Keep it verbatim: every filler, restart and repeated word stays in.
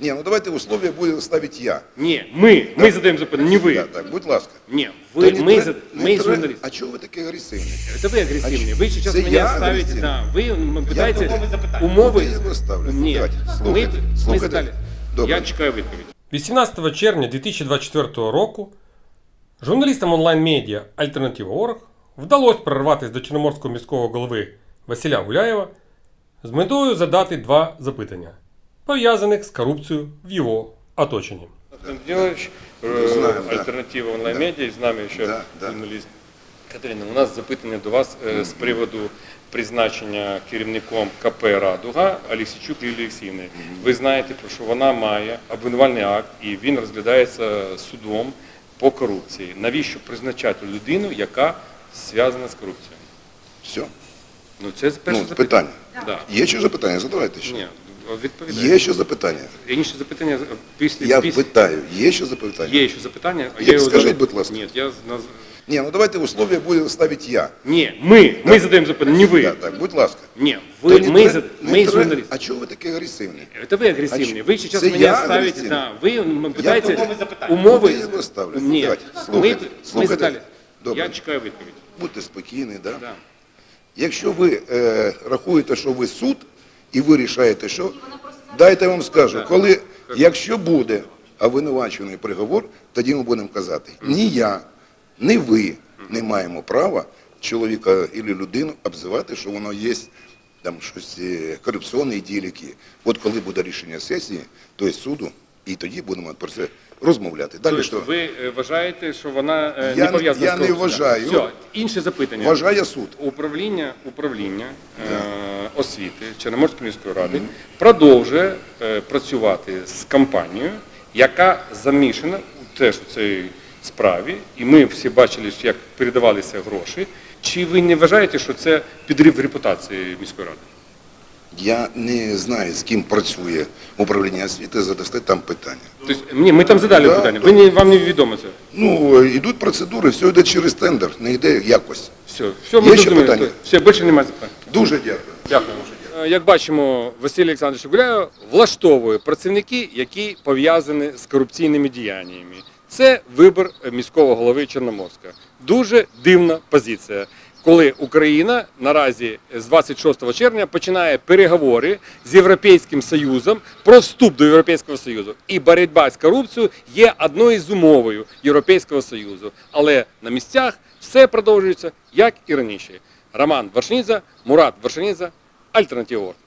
Ні, ну давайте условия буду ставити я. Ні, ми, Да. ми задаємо запитання, не ви. Так, так, будь ласка. Ні, ви, Та ми, не зад- тре- не ми тре- журналісти. А чого ви такі агресивні? Это вы агрессивные. Вы сейчас Це меня я ставите, агресивний? да, вы пытаетесь Я умови. його ставлю. Ні, Давайте, ми, слухайте, ми слухайте. задали. Добре. Я чекаю відповідь. вісімнадцятого червня дві тисячі двадцять четвертого року журналістам онлайн-медіа Альтернатива точка орг вдалося прорватися до Чорноморського міського голови Василя Гуляєва з метою задати два запитання, пов'язаних з корупцією в його оточенні. Делаешь Знаем, да. альтернатива онлайн-медіа, і з нами ще Да, да. журналіст. Катерина, у нас запитання до вас е, з приводу призначення керівником ка пе «Радуга» Аліксійчук Лілії Олексіївни. Ви знаєте, про що вона має обвинувальний акт, і він розглядається судом по корупції. Навіщо призначати людину, яка зв'язана з корупцією? Все. Ну, це перше Ну, запитання. питання. Да. Є ще запитання? Задавайте ще. Ні, відповідайте. Є ще запитання? Інше запитання після... Я після... питаю, є ще запитання? Є ще запитання. а Є, я його скажіть, задав- будь ласка. Ні, я... наз- Ні, ну давайте условия буду ставити я. Ні, ми, ми задаємо запитання, не ви. Так, так, будь ласка. Ні, Та ви, не ми, тре- зад- не ми тре- журналісти. А чого ви такі агресивні? Это вы агрессивные. А Вы ч- сейчас це меня я ставите, агресивний? да, вы м, пытаетесь Ну, умови. я його ставлю. Ні, Давайте, ми, слухайте, ми слухайте. задали. Добре. Я чекаю відповідь. Будьте спокійні, да? Да. Якщо ви е, рахуєте, що ви суд, і ви рішаєте, що, дайте я вам скажу, Да. коли, якщо буде обвинувачений приговор, тоді ми будемо казати, ні я, ні ви не маємо права чоловіка або людину обзивати, що воно є там щось е, корупційні дії які. От коли буде рішення сесії, тобто суду, і тоді будемо про це розмовляти. Далі Тобто що? ви е, вважаєте, що вона е, Я- не пов'язана я з не корупцією? вважаю. Все, інше запитання. Вважає суд. Управління, управління е, освіти Чорноморської міської ради продовжує е, працювати з компанією, яка замішана теж у цій справі, і ми всі бачили, як передавалися гроші. Чи ви не вважаєте, що це підрив репутації міської ради? Я не знаю, з ким працює управління освіти, задасте там питання. Тобто, ні, ми там задали Да, питання, да. ви не, вам не відомо це? Ну, йдуть процедури, все йде через тендер, не йде якось. Все, все, ми Є ще зрозуміли. питання? Все, більше немає запитань. Дуже дякую. Дякую. Як бачимо, Василь Олександрович Гуляєв влаштовує працівники, які пов'язані з корупційними діяннями. Це вибір міського голови Чорноморська. Дуже дивна позиція, коли Україна наразі з двадцять шостого червня починає переговори з Європейським Союзом про вступ до Європейського Союзу. І боротьба з корупцією є одною з умовою Європейського Союзу. Але на місцях все продовжується, як і раніше. Роман Вершинідзе, Мурат Вершинідзе, Альтернатива точка орг.